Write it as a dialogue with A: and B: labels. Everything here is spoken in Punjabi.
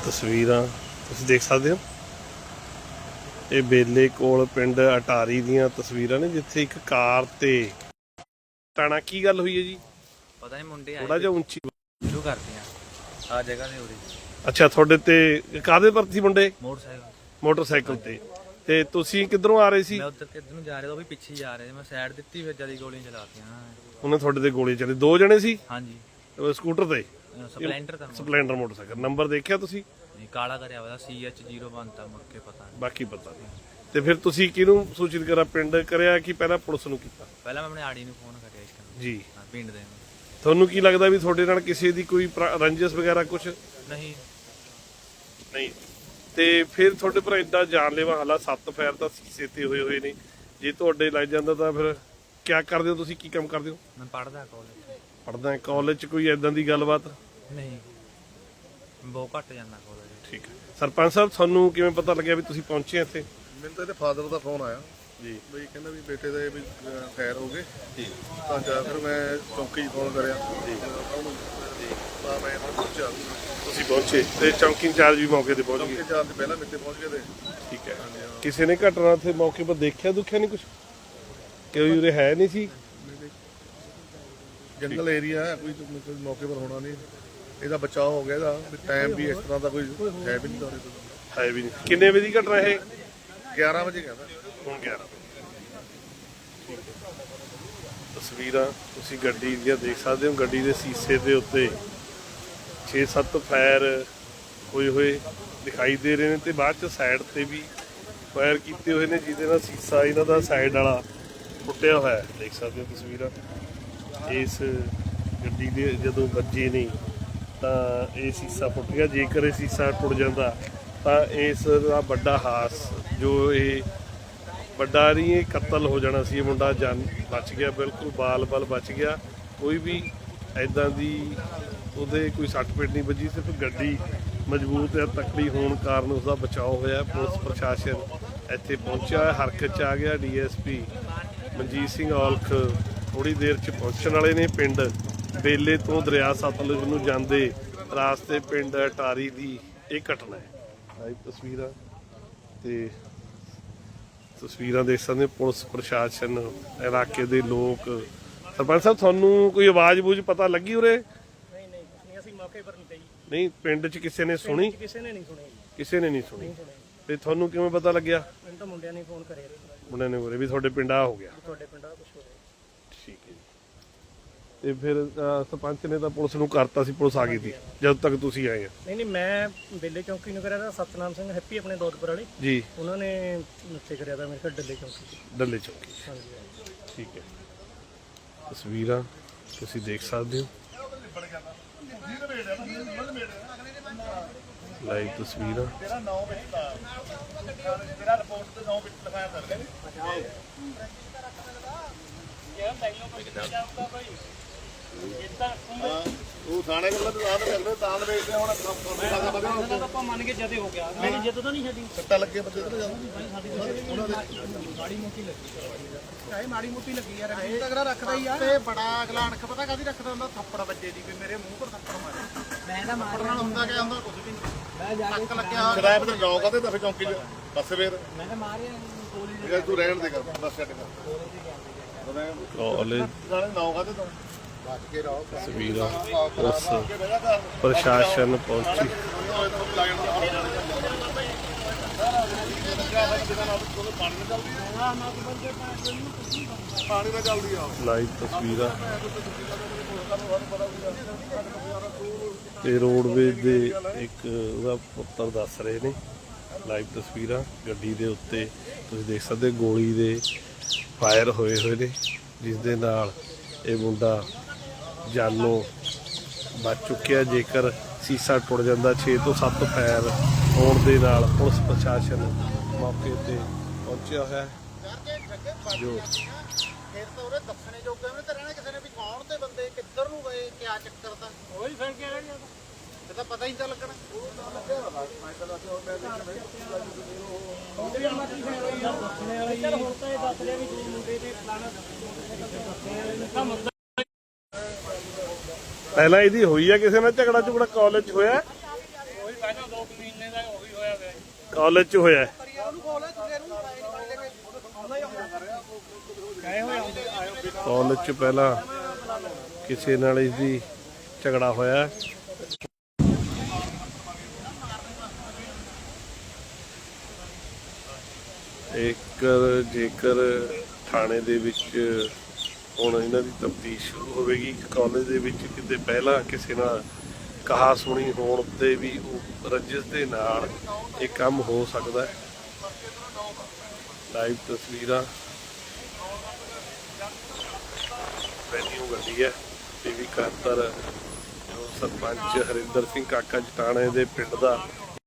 A: ਤਸਵੀਰਾਂ ਤੁਸੀਂ ਦੇਖ ਸਕਦੇ ਹੋ। ਇਹ ਬੇਲੇ ਕੋਲ ਪਿੰਡ ਅਟਾਰੀ ਦੀਆਂ ਤਸਵੀਰਾਂ ਨੇ, ਜਿੱਥੇ ਇੱਕ ਕਾਰ ਤੇ ਟਾਣਾ। ਕੀ ਗੱਲ ਹੋਈ ਹੈ ਜੀ?
B: ਪਤਾ ਨਹੀਂ, ਮੁੰਡੇ
A: ਥੋੜਾ ਜਿਹਾ ਉੱਚੀ
B: ਸ਼ੁਰੂ ਕਰਦੇ ਆ ਜਗ੍ਹਾ ਦੇ ਉਰੇ।
A: ਅੱਛਾ, ਤੁਹਾਡੇ ਤੇ ਕਾਹਦੇ ਪਰ ਸੀ ਮੁੰਡੇ?
B: ਮੋਟਰਸਾਈਕਲ
A: ਤੇ ਤੁਸੀਂ ਕਿੱਧਰੋਂ ਆ ਰਹੇ ਸੀ?
B: ਮੈਂ ਉੱਧਰ ਕਿੱਧਰ ਨੂੰ ਜਾ ਰਿਹਾ, ਉਹ ਵੀ ਪਿੱਛੇ ਹੀ ਜਾ ਰਹੇ। ਮੈਂ ਸਾਈਡ ਦਿੱਤੀ, ਫਿਰ ਜਦੀ ਗੋਲੀਆਂ ਚਲਾਤੀਆਂ।
A: ਉਹਨੇ ਤੁਹਾਡੇ ਤੇ ਗੋਲੀ ਚਲੀ? ਦੋ ਜਣੇ ਸੀ?
B: ਹਾਂਜੀ,
A: ਸਕੂਟਰ ਤੇ?
B: Splendor
A: motorcycle. ਨੰਬਰ ਦੇਖਿਆ ਤੁਸੀਂ?
B: ਨਹੀਂ, ਕਾਲਾ ਕਰਿਆ ਹੋਇਆ CH01 ਤਾਂ ਮੁੜ ਕੇ ਪਤਾ ਨਹੀਂ।
A: ਬਾਕੀ ਪਤਾ ਨਹੀਂ। ਤੇ ਫਿਰ ਤੁਸੀਂ ਕਿਹਨੂੰ ਸੂਚਿਤ ਕਰਾ? ਪਿੰਡ ਕਰਿਆ ਕਿ ਪਹਿਲਾਂ ਪੁਲਿਸ ਨੂੰ ਕੀਤਾ?
B: ਪਹਿਲਾਂ ਮੈਂ ਆਪਣੇ ਆੜੀ ਨੂੰ ਫੋਨ ਕਰਿਆ ਇੱਕ
A: ਜੀ।
B: ਪਿੰਡ ਦੇ ਨੂੰ।
A: ਤੁਹਾਨੂੰ ਕੀ ਲੱਗਦਾ ਵੀ ਤੁਹਾਡੇ ਨਾਲ ਕਿਸੇ ਦੀ ਕੋਈ ਰੰਜਿਸ਼ ਵਗੈਰਾ ਕੁਝ?
B: ਨਹੀਂ।
A: ਤੇ ਫਿਰ ਤੁਹਾਡੇ ਪਰ ਏਡਾ ਜਾਨਲੇਵਾ ਹਮਲਾ, 7 ਫਾਇਰ ਤਾਂ ਸੀਸੇ ਤੇ ਹੋਏ ਨੇ। ਜੇ ਤੁਹਾਡੇ ਲੱਗ ਜਾਂਦਾ ਤਾਂ ਫਿਰ ਕੀ ਕਰਦੇ ਹੋ ਤੁਸੀਂ? ਕੀ ਕੰਮ ਕਰਦੇ ਹੋ?
B: ਮੈਂ ਪੜਦਾ ਕਾਲਜ।
A: ਪੜਦਾ ਕਾਲਜ ਚ? ਕੋਈ ਏਦਾਂ ਦੀ ਗੱਲਬਾਤ?
B: ਨਹੀਂ, ਬਹੁਤ ਘੱਟ ਜਾਂਦਾ ਕਾਲਜ।
A: ਠੀਕ ਹੈ। ਸਰਪੰਚ ਸਾਹਿਬ, ਤੁਹਾਨੂੰ ਕਿਵੇਂ ਪਤਾ ਲੱਗਿਆ ਵੀ ਤੁਸੀਂ ਪਹੁੰਚੇ ਇੱਥੇ?
C: ਮੈਨੂੰ ਤਾਂ ਇਹਦੇ ਫਾਦਰ ਦਾ ਫੋਨ ਆਇਆ
A: ਜੀ,
C: ਬਈ ਕਹਿੰਦਾ ਵੀ ਬੇਟੇ ਦੇ ਵੀ ਫਾਇਰ ਹੋ ਗਏ ਜੀ। ਤਾਂ ਜਾ ਫਿਰ ਮੈਂ ਚੌਂਕੀ 'ਚ ਫੋਨ ਕਰਿਆ ਜੀ। ਤਾਂ ਮੈਂ ਪਹੁੰਚਿਆ।
A: ਤੁਸੀਂ ਪਹੁੰਚੇ ਤੇ ਚੌਂਕੀ ਇੰਚਾਰਜ ਵੀ ਮੌਕੇ ਤੇ ਪਹੁੰਚ
C: ਚੌਂਕੀ
A: ਗਏ?
C: ਚਾਰ ਦੇ ਪਹਿਲਾਂ ਮੇਰੇ ਤੇ ਪਹੁੰਚ ਗਏ ਤੇ।
A: ਠੀਕ ਹੈ। ਕਿਸੇ ਨੇ ਘਟਨਾ ਤੇ ਮੌਕੇ ਪਰ ਦੇਖਿਆ ਦੁੱਖਿਆ ਨਹੀਂ ਕੁਝ? ਕੋਈ ਉਰੇ ਹੈ ਨਹੀਂ ਸੀ?
C: ਜੰਗਲ ਏਰੀਆ ਹੈ, ਕੋਈ ਮੌਕੇ ਪਰ ਹੋਣਾ ਨਹੀਂ। ਇਹਦਾ ਬਚਾਅ ਹੋ ਗਿਆ। ਇਹਦਾ ਟਾਈਮ ਵੀ ਇਸ ਤਰ੍ਹਾਂ ਦਾ ਕੋਈ ਹੈ ਵੀ ਨਹੀਂ ਦੌਰੇ ਤੋਂ।
A: ਹੈ ਵੀ ਨਹੀਂ। ਕਿੰਨੇ ਵਜੇ ਦੀ ਘਟਨਾ ਇਹ?
C: 11 ਵਜੇ ਕਹਿੰਦਾ।
A: ਹੁਣ 11। ਤਸਵੀਰਾਂ ਤੁਸੀਂ ਗੱਡੀ ਦੀਆਂ ਦੇਖ ਸਕਦੇ ਹੋ। ਗੱਡੀ ਦੇ ਸ਼ੀਸ਼ੇ ਦੇ ਉੱਤੇ 6-7 ਫਾਇਰ ਹੋਏ ਦਿਖਾਈ ਦੇ ਰਹੇ ਨੇ, ਤੇ ਬਾਅਦ ਚ ਸਾਈਡ ਤੇ ਵੀ ਫਾਇਰ ਕੀਤੇ ਹੋਏ ਨੇ, ਜਿਹਦੇ ਨਾਲ ਸ਼ੀਸ਼ਾ ਇਹਨਾਂ ਦਾ ਸਾਈਡ ਵਾਲਾ ਟੁੱਟਿਆ ਹੋਇਆ ਹੈ। ਦੇਖ ਸਕਦੇ ਹੋ ਤਸਵੀਰਾਂ। ਇਸ ਗੱਡੀ ਦੇ ਜਦੋਂ ਵੱਜੇ ਨਹੀਂ ਤਾਂ ਇਹ ਸ਼ੀਸ਼ਾ ਫੁੱਟ ਗਿਆ। ਜੇਕਰ ਇਹ ਸ਼ੀਸ਼ਾ ਟੁੱਟ ਜਾਂਦਾ ਤਾਂ ਇਸ ਦਾ ਵੱਡਾ ਹਾਸ, ਜੋ ਇਹ ਵੱਡਾ ਨਹੀਂ, ਇਹ ਕਤਲ ਹੋ ਜਾਣਾ ਸੀ। ਇਹ ਮੁੰਡਾ ਜਾਨ ਬਚ ਗਿਆ, ਬਿਲਕੁਲ ਬਾਲ ਬਚ ਗਿਆ। ਕੋਈ ਵੀ ਐਦਾਂ ਦੀ ਉਹਦੇ ਕੋਈ ਸੱਟ ਪੇਟ ਨਹੀਂ ਵੱਜੀ, ਸਿਰਫ ਗੱਡੀ ਮਜ਼ਬੂਤ ਹੈ, ਤਕੜੀ ਹੋਣ ਕਾਰਨ ਉਸਦਾ ਬਚਾਅ ਹੋਇਆ। ਪੁਲਿਸ ਪ੍ਰਸ਼ਾਸਨ ਇੱਥੇ ਪਹੁੰਚਿਆ, ਹਰਕਤ 'ਚ ਆ ਗਿਆ। DSP ਮਨਜੀਤ ਸਿੰਘ ਔਲਖ ਥੋੜ੍ਹੀ ਦੇਰ 'ਚ ਪਹੁੰਚਣ ਵਾਲੇ ਨੇ। ਪਿੰਡ ਬੇਲੇ ਤੋਂ ਦਰਿਆ ਸਤਲੁਜ ਨੂੰ ਜਾਂਦੇ ਰਾਸਤੇ ਪਿੰਡ ਅਟਾਰੀ ਦੀ ਇਹ ਘਟਨਾ ਹੈ। ਲਾਈਵ ਤਸਵੀਰਾਂ ਤੇ ਤਸਵੀਰਾਂ ਦੇਖ ਸਕਦੇ ਹੋ। ਪੁਲਿਸ ਪ੍ਰਸ਼ਾਸਨ, ਇਲਾਕੇ ਦੇ ਲੋਕ। ਸਰਪੰਚ ਸਾਹਿਬ, ਤੁਹਾਨੂੰ ਕੋਈ ਆਵਾਜ਼ ਬੂਝ ਪਤਾ ਲੱਗੀ ਉਰੇ?
D: ਨਹੀਂ, ਅਸੀਂ ਮੌਕੇ ਪਰ ਨਹੀਂ ਤੇ ਜੀ।
A: ਨਹੀਂ, ਪਿੰਡ 'ਚ ਕਿਸੇ ਨੇ ਸੁਣੀ?
D: ਕਿਸੇ ਨੇ ਨਹੀਂ ਸੁਣੀ।
A: ਕਿਸੇ ਨੇ ਨਹੀਂ ਸੁਣੀ। ਤੇ ਤੁਹਾਨੂੰ ਕਿਵੇਂ ਪਤਾ ਲੱਗਿਆ?
D: ਮੈਨੂੰ ਤਾਂ ਮੁੰਡਿਆਂ ਨੇ ਫੋਨ ਕਰਿਆ
A: ਮੁੰਡਿਆਂ ਨੇ ਬੋਲੇ ਵੀ ਤੁਹਾਡੇ ਪਿੰਡ ਆ ਹੋ ਗਿਆ?
D: ਤੁਹਾਡੇ ਪਿੰਡ ਦਾ ਕੁਝ ਹੋ ਰਿਹਾ।
A: ਠੀਕ ਹੈ ਜੀ। ਤੇ ਫਿਰ ਸਰਪੰਚ ਨੇ ਤਾਂ ਪੁਲਿਸ ਨੂੰ ਕਰਤਾ ਸੀ, ਪੁਲਿਸ ਆ ਗਈ ਸੀ ਜਦ ਤੱਕ ਤੁਸੀਂ ਆਏ ਆ?
D: ਨਹੀਂ, ਮੈਂ ਬੇਲੇ ਚੌਂਕੀ ਨੂੰ ਕਰਿਆ ਤਾਂ ਸਤਨਾਮ ਸਿੰਘ ਹੈਪੀ ਆਪਣੇ ਦੌਦਪੁਰ ਵਾਲੇ
A: ਜੀ,
D: ਉਹਨਾਂ ਨੇ ਉੱਥੇ ਕਰਿਆ ਤਾਂ ਮੇਰੇ ਕੋਲ ਡੱਲੇ ਚੌਂਕੀ।
A: ਡੱਲੇ ਚੌਂਕੀ।
D: ਹਾਂਜੀ।
A: ਠੀਕ ਹੈ। ਤਸਵੀਰਾਂ ਤੁਸੀਂ ਦੇਖ ਸਕਦੇ ਹੋ। ਲਾਈਵ ਤਸਵੀਰਾਂ।
C: ਉਹ ਥਾਣੇ ਕੋਲ ਤਾਂ ਤਾਂ ਵੇਚਦੇ ਹੁਣ
D: ਆਪਾਂ ਮੰਨ ਕੇ ਜਦੇ ਹੋ ਗਿਆ। ਮੇਰੀ ਜਿੱਦ ਤਾਂ ਨਹੀਂ ਛੱਡੀ।
C: ਸੱਟਾ ਲੱਗੇ ਬੰਦੇ ਤੇ ਉਹਨਾਂ ਦੇ
D: ਮਾੜੀ ਮੋਟੀ ਲੱਗੀ ਯਾਰ। ਇਹ ਤਗੜਾ ਰੱਖਦਾ ਹੀ ਆ। ਤੇ ਬੜਾ ਅਗਲਾ ਅਣਖ ਪਤਾ ਕਾਦੀ ਰੱਖਦਾ ਹੁੰਦਾ? ਥੱਪੜ ਵੱਜੇ ਦੀ ਵੀ ਮੇਰੇ ਮੂੰਹ ਪਰ ਥੱਪੜ ਮਾਰੇ। ਮੈਂ ਤਾਂ ਮਾਰ ਨਾਲ ਹੁੰਦਾ ਕਿ ਹੁੰਦਾ ਕੁਝ ਵੀ ਨਹੀਂ। ਮੈਂ ਜਾ ਕੇ ਲੱਗਿਆ
C: ਸ਼ਰਾਬ ਤੇ ਜਾਓ ਕਾਤੇ ਤਾਂ ਫਿਰ ਚੌਂਕੀ 'ਚ ਬਸ ਫੇਰ
D: ਮੈਂ ਤਾਂ ਮਾਰਿਆ ਗੋਲੀ
C: ਜੇ ਤੂੰ ਰਹਿਣ ਦੇ ਕਰ ਬਸ ਛੱਡ ਕਰ।
A: ਕਾਲਜ
C: ਨਾਉ ਕਾਤੇ ਤੋਂ ਬਚ ਕੇ ਰਹੋ।
A: ਤਸਵੀਰਾਂ। ਪੁਲਿਸ ਪ੍ਰਸ਼ਾਸਨ ਪਹੁੰਚੀ।
C: ਪਾਣੀ ਦਾ ਜਲਦੀ ਆ।
A: ਲਾਈਵ ਤਸਵੀਰਾਂ ਤੇ ਰੋਡਵੇਜ਼ ਦੇ ਇੱਕ ਉਹਦਾ ਪੁੱਤਰ ਦੱਸ ਰਹੇ ਨੇ। ਲਾਈਵ ਤਸਵੀਰਾਂ ਗੱਡੀ ਦੇ ਉੱਤੇ ਤੁਸੀਂ ਦੇਖ ਸਕਦੇ, ਗੋਲੀ ਦੇ ਫਾਇਰ ਹੋਏ ਨੇ, ਜਿਸ ਦੇ ਨਾਲ ਇਹ ਮੁੰਡਾ ਜਾਨੋਂ ਬਚ ਚੁੱਕਿਆ। ਜੇਕਰ ਸ਼ੀਸ਼ਾ ਟੁੱਟ ਜਾਂਦਾ, 6 ਤੋਂ 7 ਫਾਇਰ ਹੋਣ ਦੇ ਨਾਲ ਪੁਲਿਸ ਪ੍ਰਸ਼ਾਸਨ ਮੌਕੇ ਤੇ ਪਹੁੰਚਿਆ ਹੋਇਆ ਹੈ। ਜੋ
D: ਫਿਰ ਤਾਂ ਉਹਨੇ ਦੱਸਣੇ ਜੋਗੇ ਉਹਨੇ ਤਾਂ ਰਹਿਣਾ ਕਿਸੇ ਨੇ ਵੀ ਕੌਣ ਤੇ ਬੰਦੇ ਕਿੱਧਰ ਨੂੰ ਗਏ, ਕਿਆ ਚੱਕਰ ਦਾ ਉਹੀ ਫਿਰ ਕੀ ਰਹਿ ਗਿਆ। ਇਹ ਤਾਂ ਪਤਾ ਹੀ ਨਹੀਂ ਲੱਗਣਾ।
A: ਪਹਿਲਾਂ ਇਹਦੀ ਹੋਈ ਆ ਕਿਸੇ ਨਾਲ ਝਗੜਾ ਝੁਗੜਾ ਕਾਲਜ 'ਚ ਹੋਇਆ?
D: ਪਹਿਲਾਂ 2 ਮਹੀਨੇ
A: ਕਾਲਜ 'ਚ ਹੋਇਆ ਹੈ। ਕਾਲਜ 'ਚ ਪਹਿਲਾਂ ਕਿਸੇ ਨਾਲ ਇਸਦੀ ਝਗੜਾ ਹੋਇਆ ਹੈ। ਜੇਕਰ ਥਾਣੇ ਦੇ ਵਿੱਚ ਹੁਣ ਇਹਨਾਂ ਦੀ ਤਫਤੀਸ਼ ਸ਼ੁਰੂ ਹੋਵੇਗੀ। ਕਾਲਜ ਦੇ ਵਿੱਚ ਕਿਤੇ ਪਹਿਲਾਂ ਕਿਸੇ ਨਾਲ ਕਹਾ ਸੁਣੀ ਹੋਣ ਤੇ ਵੀ ਉਹ ਰੰਜਿਸ਼ ਦੇ ਨਾਲ ਇਹ ਕੰਮ ਹੋ ਸਕਦਾ ਹੈ। ਲਾਈਵ ਤਸਵੀਰਾਂ ਵੈਨਿਊ ਗੱਡੀ ਹੈ ਪੀਵੀ 71 ਜੋ ਸਰਪੰਚ ਹਰਿੰਦਰ ਸਿੰਘ ਕਾਕਾ ਜਟਾਣੇ ਦੇ ਪਿੰਡ ਦਾ